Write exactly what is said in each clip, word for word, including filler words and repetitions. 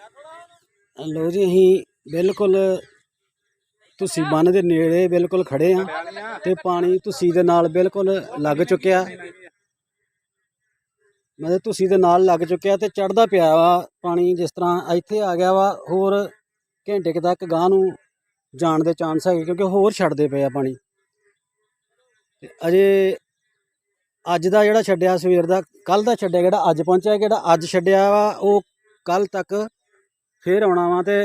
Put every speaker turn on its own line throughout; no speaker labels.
लो जी अहीं बिल्कुल तुसी बन दे नेड़े बिल्कुल खड़े हाँ ते पानी तुसी दे नाल बिल्कुल लग चुक्या, मतलब तुसी दे नाल लग चुक्या ते चढ़दा पिया वा पानी। जिस तरह इत्थे आ गया वा होर घंटे क तक गांह नूं जाण दे चांस है क्योंकि होर छड्डदे पे आ पानी। ते अजे अज दा जिहड़ा छड्डिया सवेर दा कल दा छड्डिया जेह्ड़ा अज पहुंचेआ, जेह्ड़ा अज छड्डिया वा ओह् कल तक फिर आउणा वा। ते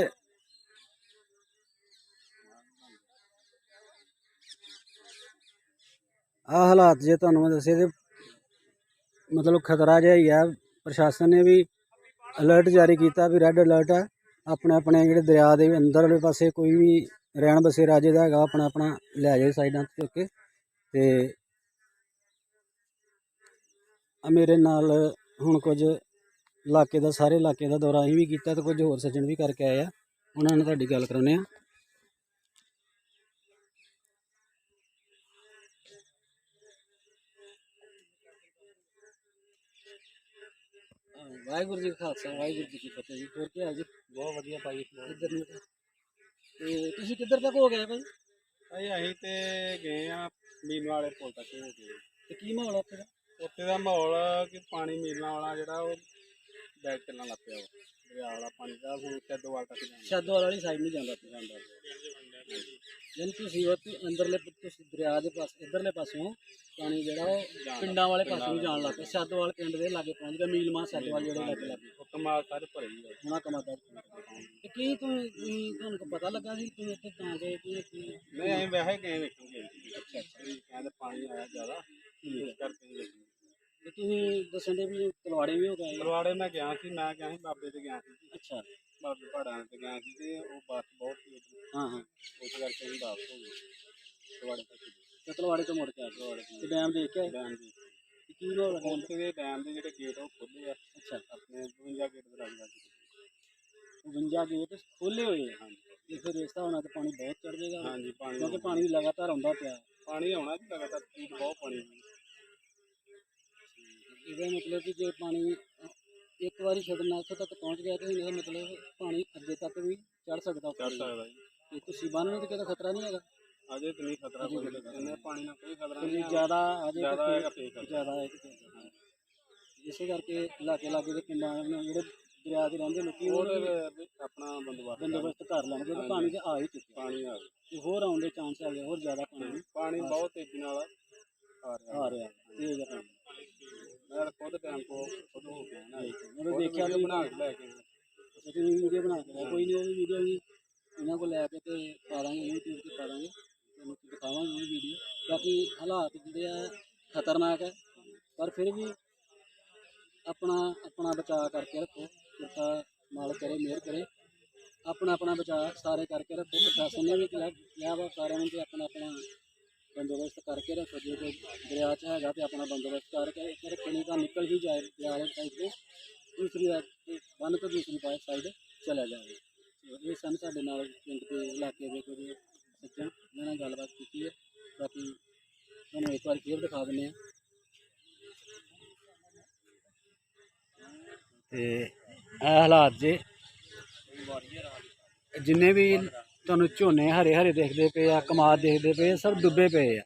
आ हालात जे तुहानूं मैं दस्से ते मतलब खतरा जिहा ही है। प्रशासन ने भी अलर्ट जारी किया भी रैड अलर्ट है। अपने अपने जेह्ड़े दरिया दे अंदर आह्ले पासे कोई भी रैण बसेरा जेह्ड़ा हैगा अपना अपना लै जाए साइडां चुक के। ते मेरे नाल हुण कुछ इलाके दा सारे इलाके दा दौरा असीं भी कीता ते कुछ होर सज्जण भी करके आए आ, उन्हां नाल तुहाडी गल्ल कराउने आ। वाहिगुरू जी का खालसा वाहिगुरू जी की फतेह जी। होर क्या हाल जी?
बहुत वधिया भाई।
इधर ਨੂੰ ਤੇ ਤੁਸੀਂ ਕਿੱਧਰ ਤੱਕ ਹੋ ਗਏ ਭਾਈ?
ਭਾਈ ਅਸੀਂ ਤੇ ਗਏ ਆ ਮੀਨ ਵਾਲੇ ਪੁਲ ਤੱਕ ਹੋ ਗਏ।
ਤੇ ਕੀ ਮਾਹੌਲ ਆ ਉੱਥੇ ਦਾ?
ਉੱਥੇ ਦਾ ਮਾਹੌਲ ਕਿ ਪਾਣੀ ਮੀਲਾਂ ਵਾਲਾ ਜਿਹੜਾ ਉਹ ਬੈਕ ਚੱਲਣ ਲੱਗ ਪਿਆ ਵਾ। ਦਰਿਆ ਵਾਲਾ ਪਾਣੀ ਦਾ ਹੁਣ ਸ਼ੈਦੋਵਾਲ ਤੱਕ ਜਾਂਦਾ।
ਸ਼ੈਦੋਵਾਲ ਵਾਲੀ ਸਾਈਡ ਨਹੀਂ ਜਾਂਦਾ ਪਿਆ ਜਾਂਦਾ। ਯਾਨੀ ਤੁਸੀਂ ਉੱਥੇ ਅੰਦਰਲੇ ਤੁਸੀਂ ਦਰਿਆ ਦੇ ਪਾਸ ਇੱਧਰਲੇ ਪਾਸਿਓਂ ਪਾਣੀ ਜਿਹੜਾ ਉਹ ਪਿੰਡਾਂ ਵਾਲੇ ਪਾਸੇ ਨੂੰ ਜਾਣ ਲੱਗ ਪਿਆ। ਸ਼ੈਦੋਵਾਲ ਪਿੰਡ ਦੇ ਲਾਗੇ ਪਹੁੰਚ ਗਿਆ। ਮੀਲਮਾ ਸ਼ੈਦੋਵਾਲ ਜਿਹੜੇ ਲਾਗੇ ਲੱਗੇ
ਉਹ ਕਮਾਲ ਸਾਰੇ ਭਰੇ ਹੀ ਆ।
ਹੁਣਾ ਕਮਾਦਾ ਤੇ ਕੀ ਤੁਸੀਂ ਤੁਹਾਨੂੰ ਪਤਾ ਲੱਗਾ ਸੀ ਤੁਸੀਂ ਇੱਥੇ ਤਾਂ ਗਏ ਕਿ ਕੀ?
ਨਹੀਂ ਅਸੀਂ ਵੈਸੇ ਗਏ ਵੇਖਣਗੇ।
ਅੱਛਾ ਅੱਛਾ।
ਕਹਿੰਦੇ ਪਾਣੀ ਆਇਆ ਜ਼ਿਆਦਾ ਇਸ ਕਰਕੇ ਵੇਖੀ।
ਤੇ ਤੁਸੀਂ ਦੱਸਣ ਦੇ ਵੀ ਤਲਵਾੜੇ ਵੀ ਹੋ ਗਏ?
ਤਲਵਾੜੇ ਮੈਂ ਗਿਆ ਸੀ, ਮੈਂ ਗਿਆ ਸੀ ਬਾਬੇ ਤੇ ਗਿਆ ਸੀ।
ਅੱਛਾ।
ਬਾਬੇ ਪਹਾੜਾਂ ਤੇ ਗਿਆ ਸੀ ਤੇ ਉਹ ਬੱਸ ਬਹੁਤ ਸੀ।
ਹਾਂ ਹਾਂ।
ਉਸ ਕਰਕੇ ਅਸੀਂ ਵਾਪਸ ਹੋ ਗਏ ਤਲਵਾੜੇ ਤੱਕ।
ਤੇ ਤਲਵਾੜੇ ਤੋਂ ਮੁੜ ਕੇ ਆ ਤਲਵਾੜੇ ਤੇ ਡੈਮ ਦੇਖ ਕੇ ਆਏ?
ਡੈਮ ਦੀ
ਕੀ ਮਾਹੌਲ ਹੈ?
ਉੱਥੇ ਦੇ ਡੈਮ ਦੇ ਜਿਹੜੇ ਗੇਟ ਉਹ ਖੁੱਲੇ ਆ।
ਅੱਛਾ।
ਆਪਣੇ ਬਵੰਜਾ ਗੇਟ ਦੇ ਲੱਗ ਲੱਗ
ਬਵੰਜਾ ਗੇਟ ਖੋਲੇ ਹੋਏ ਆ। ਹਾਂਜੀ। ਤੇ ਫਿਰ ਇਸ ਹਿਸਾਬ ਨਾਲ ਤਾਂ ਪਾਣੀ ਬਹੁਤ ਚੜ ਜਾਏਗਾ।
ਹਾਂਜੀ ਪਾਣੀ
ਕਿਉਂਕਿ ਪਾਣੀ ਲਗਾਤਾਰ ਆਉਂਦਾ ਪਿਆ।
ਪਾਣੀ ਆਉਣਾ ਜੀ ਲਗਾਤਾਰ, ਸਪੀਡ ਬਹੁਤ ਪਾਣੀ ਦੀ।
ਇਹਦਾ ਮਤਲਬ ਕਿ ਜੇ ਪਾਣੀ ਇੱਕ ਵਾਰੀ ਛੱਡਣਾ ਉੱਥੇ ਤੱਕ ਪਹੁੰਚ ਗਿਆ ਤੇ ਇਹਦਾ ਮਤਲਬ ਪਾਣੀ ਅੱਗੇ ਤੱਕ ਵੀ ਚੜ ਸਕਦਾ।
ਚੜ ਸਕਦਾ ਜੀ।
ਤੇ ਤੁਸੀਂ ਬੰਨ ਨੂੰ ਤੇ ਕਿਤੇ ਖਤਰਾ ਨਹੀਂ ਹੈਗਾ?
ਅਜੇ ਤਾਂ ਨਹੀਂ ਖਤਰਾ ਕੋਈ, ਇੰਨੇ ਪਾਣੀ ਨਾਲ ਕੋਈ ਖਤਰਾ
ਕੋਈ
ਨਹੀਂ।
ਜ਼ਿਆਦਾ ਅਜੇ
ਜ਼ਿਆਦਾ ਹੈਗਾ ਫੇਰ ਖਤਰਾ।
ਜ਼ਿਆਦਾ ਹੈ ਤੇ ਇਸੇ ਕਰਕੇ ਇਲਾਕੇ ਲਾਗੇ ਦੇ ਪਿੰਡਾਂ ਨੂੰ ਜਿਹੜੇ ਦਰਿਆ ਦੇ ਰਹਿੰਦੇ ਲੋਕੀ ਉਹ
ਆਪਣਾ ਬੰਦੋਬਸਤ
ਬੰਦੋਬਸਤ ਕਰ ਲੈਣਗੇ ਤੇ ਪਾਣੀ ਤੇ ਆ ਹੀ ਚੁੱਕਿਆ।
ਪਾਣੀ ਆ ਗਿਆ
ਤੇ ਹੋਰ ਆਉਣ ਦੇ ਚਾਂਸ ਹੈਗੇ, ਹੋਰ ਜ਼ਿਆਦਾ ਪਾਣੀ
ਪਾਣੀ ਬਹੁਤ ਤੇਜ਼ੀ ਨਾਲ ਆ ਰਿਹਾ
ਆ ਰਿਹਾ ਤੇਜ਼ ਆ ਪਾਣੀ।
ਮੈਂ ਖੁਦ ਟਾਈਮ ਕੋ ਖੁਦ ਹੋ ਗਿਆ ਨਾ,
ਮੈਂ ਦੇਖਿਆ ਵੀ
ਬਣਾ ਕੇ ਲੈ ਕੇ
ਤੁਸੀਂ ਵੀਡੀਓ ਬਣਾ ਕੇ ਕੋਈ ਨਹੀਂ, ਉਹ ਵੀ ਵੀਡੀਓ ਵੀ ਇਹਨਾਂ ਕੋਲ ਲੈ ਕੇ ਤੇ ਪਾ ਦਾਂਗੇ ਯੂਟਿਊਬ ਤੇ ਪਾ ਦਾਂਗੇ, ਤੁਹਾਨੂੰ ਦਿਖਾਵਾਂਗੇ ਉਹ ਵੀਡੀਓ। ਬਾਕੀ ਹਾਲਾਤ ਜਿਹੜੇ ਆ ਖਤਰਨਾਕ ਹੈ, ਪਰ ਫਿਰ ਵੀ ਆਪਣਾ ਆਪਣਾ ਬਚਾਅ ਕਰਕੇ ਰੱਖੋ। ਕਿਰਪਾ ਮਾਲਕ ਕਰੇ, ਮਿਹਰ ਕਰੇ, ਆਪਣਾ ਆਪਣਾ ਬਚਾਅ ਸਾਰੇ ਕਰਕੇ ਰੱਖੋ। ਪ੍ਰਸ਼ਾਸਨ ਨੇ ਵੀ ਕਿਹਾ ਵਾ ਸਾਰਿਆਂ ਨੂੰ ਕਿ ਆਪਣਾ ਆਪਣਾ ਬੰਦੋਬਸਤ ਕਰਕੇ ਰੱਖੋ। ਜੇ ਕੋਈ ਦਰਿਆ 'ਚ ਹੈਗਾ ਤੇ ਆਪਣਾ ਬੰਦੋਬਸਤ ਕਰਕੇ ਰੱਖੋ, ਨਹੀਂ ਤਾਂ ਨਿਕਲ ਹੀ ਜਾਏ ਦਰਿਆ ਵਾਲੇ ਸਾਈਡ ਤੋਂ ਦੂਸਰੀ ਬੰਨ ਤੋਂ ਦੂਸਰੀ ਪਾਸੇ ਸਾਈਡ ਚਲਾ ਜਾਵੇ। ਇਹ ਸਨ ਸਾਡੇ ਨਾਲ ਪਿੰਡ ਦੇ ਇਲਾਕੇ ਦੇ ਕੁਝ ਸੱਜਣ, ਇਹਨਾਂ ਨਾਲ ਗੱਲਬਾਤ ਕੀਤੀ ਹੈ। ਬਾਕੀ ਤੁਹਾਨੂੰ ਇੱਕ ਵਾਰ ਫੇਰ ਦਿਖਾ ਦਿੰਦੇ ਹਾਂ। ਤੇ ਇਹ ਹਾਲਾਤ ਜੇ ਜਿੰਨੇ ਵੀ ਤੁਹਾਨੂੰ ਝੋਨੇ ਹਰੇ ਹਰੇ ਦੇਖਦੇ ਪਏ ਆ, ਕਮਾਦ ਦੇਖਦੇ ਪਏ, ਸਭ ਡੁੱਬੇ ਪਏ ਆ।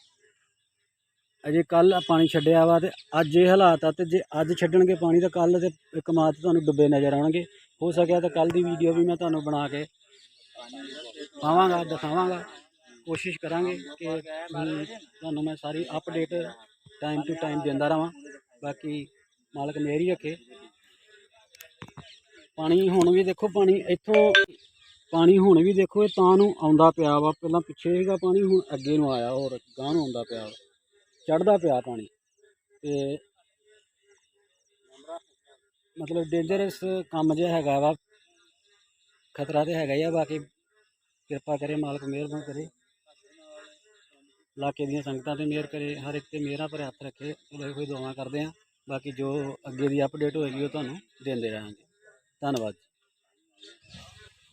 ਅਜੇ ਕੱਲ ਪਾਣੀ ਛੱਡਿਆ ਵਾ ਤੇ ਅੱਜ ਇਹ ਹਾਲਾਤ ਆ। ਤੇ ਜੇ ਅੱਜ ਛੱਡਣਗੇ ਪਾਣੀ ਤਾਂ ਕੱਲ ਤੇ ਕਮਾਦ ਤੁਹਾਨੂੰ ਡੁੱਬੇ ਨਜ਼ਰ ਆਉਣਗੇ। ਹੋ ਸਕਿਆ ਤਾਂ ਕੱਲ ਦੀ ਵੀਡੀਓ ਵੀ ਮੈਂ ਤੁਹਾਨੂੰ ਬਣਾ ਕੇ ਪਾਵਾਂਗਾ, ਦਿਖਾਵਾਂਗਾ। ਕੋਸ਼ਿਸ਼ ਕਰਾਂਗੇ ਕਿ ਤੁਹਾਨੂੰ ਮੈਂ ਸਾਰੀ ਅਪਡੇਟ ਟਾਈਮ ਟੂ ਟਾਈਮ ਦਿੰਦਾ ਰਹਾਂ। ਬਾਕੀ ਮਾਲਕ ਮਿਹਰ ਹੀ ਰੱਖੇ। ਪਾਣੀ ਹੁਣ ਵੀ ਦੇਖੋ, ਪਾਣੀ ਇੱਥੋਂ ਪਾਣੀ ਹੁਣ ਵੀ ਦੇਖੋ ਇਹ ਤਾਂ ਨੂੰ ਆਉਂਦਾ ਪਿਆ ਵਾ। ਪਹਿਲਾਂ ਪਿੱਛੇ ਸੀਗਾ ਪਾਣੀ, ਹੁਣ ਅੱਗੇ ਨੂੰ ਆਇਆ, ਹੋਰ ਗਾਂਹ ਨੂੰ ਆਉਂਦਾ ਪਿਆ, ਚੜ੍ਹਦਾ ਪਿਆ ਪਾਣੀ। ਤੇ ਮਤਲਬ ਡੇਂਜਰਸ ਕੰਮ ਜਿਹਾ ਹੈਗਾ ਵਾ, ਖਤਰਾ ਤਾਂ ਹੈਗਾ ਹੀ ਆ। ਬਾਕੀ ਕਿਰਪਾ ਕਰੇ ਮਾਲਕ, ਮਿਹਰਬਾਨੀ ਕਰੇ, ਇਲਾਕੇ ਦੀਆਂ ਸੰਗਤਾਂ 'ਤੇ ਮਿਹਰ ਕਰੇ, ਹਰ ਇੱਕ 'ਤੇ ਮਿਹਰਾਂ ਭਰੇ ਹੱਥ ਰੱਖੇ। ਉਹਦੇ ਕੋਈ ਦੁਆਵਾਂ ਕਰਦੇ ਹਾਂ। ਬਾਕੀ ਜੋ ਅੱਗੇ ਦੀ ਅਪਡੇਟ ਹੋਏਗੀ ਉਹ ਤੁਹਾਨੂੰ ਦਿੰਦੇ ਰਹਾਂਗੇ। ਧੰਨਵਾਦ।